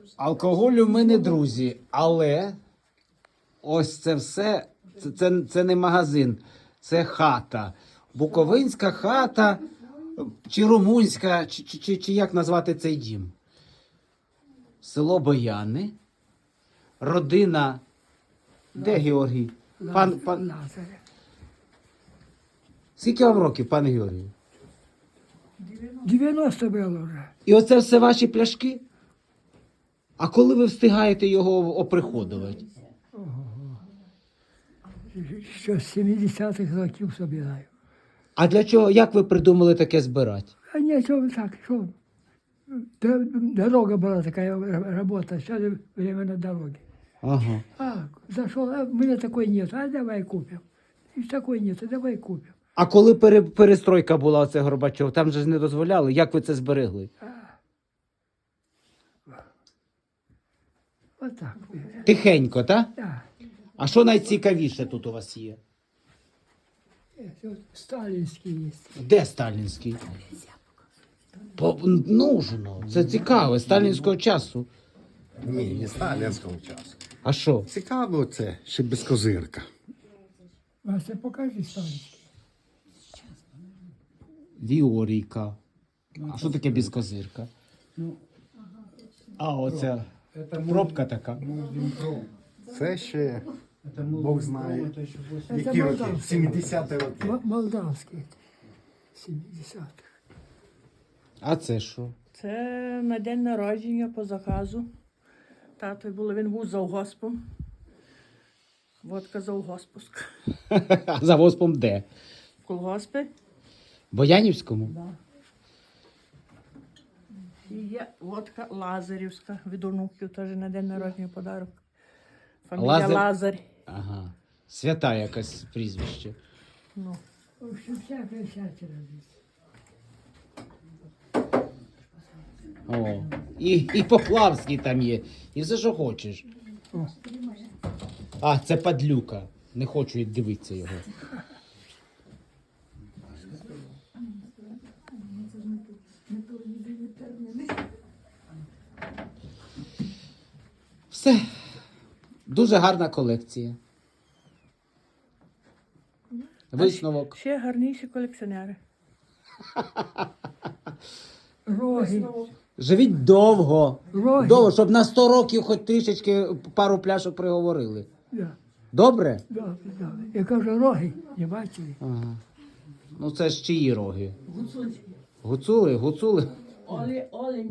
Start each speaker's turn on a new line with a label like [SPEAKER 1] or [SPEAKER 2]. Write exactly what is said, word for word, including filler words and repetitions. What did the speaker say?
[SPEAKER 1] Алкоголю ми не друзі, але ось це все, це, це, це не магазин, це хата. Буковинська хата, чи румунська, чи, чи, чи, чи як назвати цей дім? Село Бояни, родина, де Георгій? Пан, пан... Скільки вам років, пане Георгію?
[SPEAKER 2] дев'яносто було вже.
[SPEAKER 1] І оце все ваші пляшки? А коли ви встигаєте його оприходувати?
[SPEAKER 2] Що з сімдесятих років собираю.
[SPEAKER 1] А для чого, як ви придумали таке збирати?
[SPEAKER 2] А нічого так, що? Д- Дорога була така робота, зараз время на дороге.
[SPEAKER 1] Ага.
[SPEAKER 2] А, зашел, а у меня такой нет, а давай купим. И такой нет, а давай купим.
[SPEAKER 1] А коли пере, перестройка була, оце Горбачов, там же ж не дозволяли. Як ви це зберегли?
[SPEAKER 2] Вот так.
[SPEAKER 1] Тихенько, так?
[SPEAKER 2] Да.
[SPEAKER 1] А що найцікавіше тут у вас є?
[SPEAKER 2] Есть, вот сталинский есть.
[SPEAKER 1] Де сталінський? По, нужно. Це цікаво, сталінського часу.
[SPEAKER 3] Ні, не сталінського часу.
[SPEAKER 1] А що?
[SPEAKER 3] Цікаво це, ще без козирка.
[SPEAKER 2] Вася, покажи сталинский.
[SPEAKER 1] Віорійка. А що таке безкозирка? А, оця пробка така.
[SPEAKER 3] Це ще, Бог знає,
[SPEAKER 2] Це
[SPEAKER 3] які роки,
[SPEAKER 2] молдавський.
[SPEAKER 3] сімдесяті роки.
[SPEAKER 2] М- Молдавский. семидесятых.
[SPEAKER 1] А це що?
[SPEAKER 4] Це на день народження по заказу. Тато було, він був завгоспом. Водка завгоспуска.
[SPEAKER 1] За госпом де?
[SPEAKER 4] В колгоспі.
[SPEAKER 1] Боянівському?
[SPEAKER 4] І є водка Лазарівська від онуків, теж на день народження подарок. Фамілія
[SPEAKER 1] Лазар-
[SPEAKER 4] Лазарь.
[SPEAKER 1] Ага. Свята якась прізвище.
[SPEAKER 4] Ну.
[SPEAKER 2] В общем, всякое всякое родится.
[SPEAKER 1] О. І, і Поплавський там є. І все, що хочеш. А, це падлюка. Не хочу і дивитися його. Все. Дуже гарна колекція. Висновок.
[SPEAKER 4] Ще гарніші колекціонери.
[SPEAKER 2] Роги.
[SPEAKER 1] Живіть довго.
[SPEAKER 2] Роги.
[SPEAKER 1] Довго, щоб на сто років хоч трішечки пару пляшок приговорили.
[SPEAKER 2] Да.
[SPEAKER 1] Добре?
[SPEAKER 2] Добре, добре. Я кажу, роги, не бачили?
[SPEAKER 1] Ага. Ну це ж чиї роги? Гуцули. Гуцули? Гуцули?
[SPEAKER 4] Олі, Олі.